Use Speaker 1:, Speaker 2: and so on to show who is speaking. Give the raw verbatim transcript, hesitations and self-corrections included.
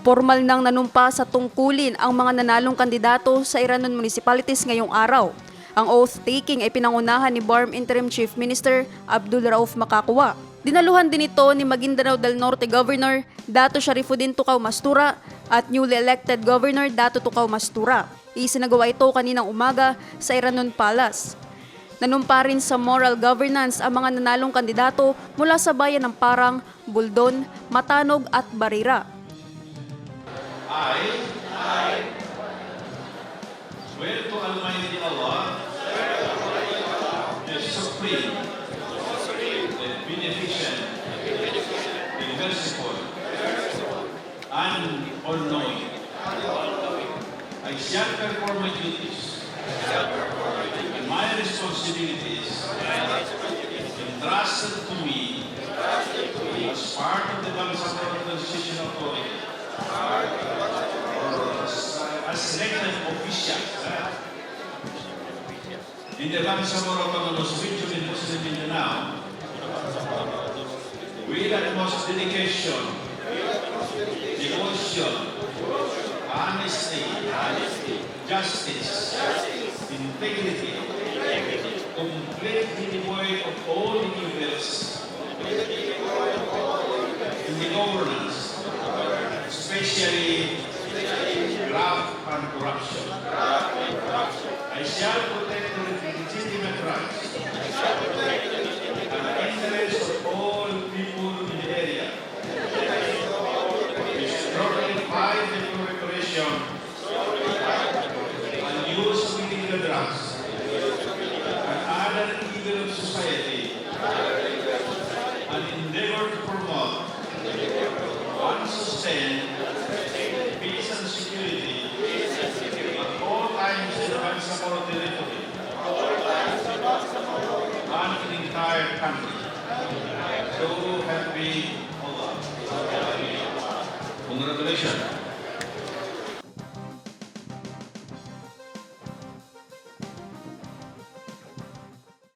Speaker 1: Formal nang nanumpa sa tungkulin ang mga nanalong kandidato sa Iranon Municipalities ngayong araw. Ang oath-taking ay pinangunahan ni B A R M Interim Chief Minister Abdul Rauf Makakua. Dinaluhan din ito ni Maguindanao del Norte Governor Dato Sharifudin Tukaw Mastura at newly elected Governor Dato Tukaw Mastura. Isinagawa ito kaninang umaga sa Iranon Palace. Nanumpa rin sa moral governance ang mga nanalong kandidato mula sa bayan ng Parang, Buldon, Matanog at Barira.
Speaker 2: I, I swear to Almighty Allah, the Supreme, the Beneficent, the Merciful, and All-Knowing. I shall perform my duties and my responsibilities entrusted to me as part of the Bangsamoro Constitutional Authority. As elected officials in the Bangsamoro Autonomous Region in Muslim Mindanao, with utmost dedication, devotion, honesty, justice, integrity, completely devoid of all evils in the governance, especially graft and corruption. I shall protect the legitimate rights and interests of all people in the area. Strongly fight the proliferation and use of illegal drugs and other evil of society, and endeavor to promote and sustain peace and security at all times in the Bangsamoro territory and in the entire country. So help me Allah. Congratulations.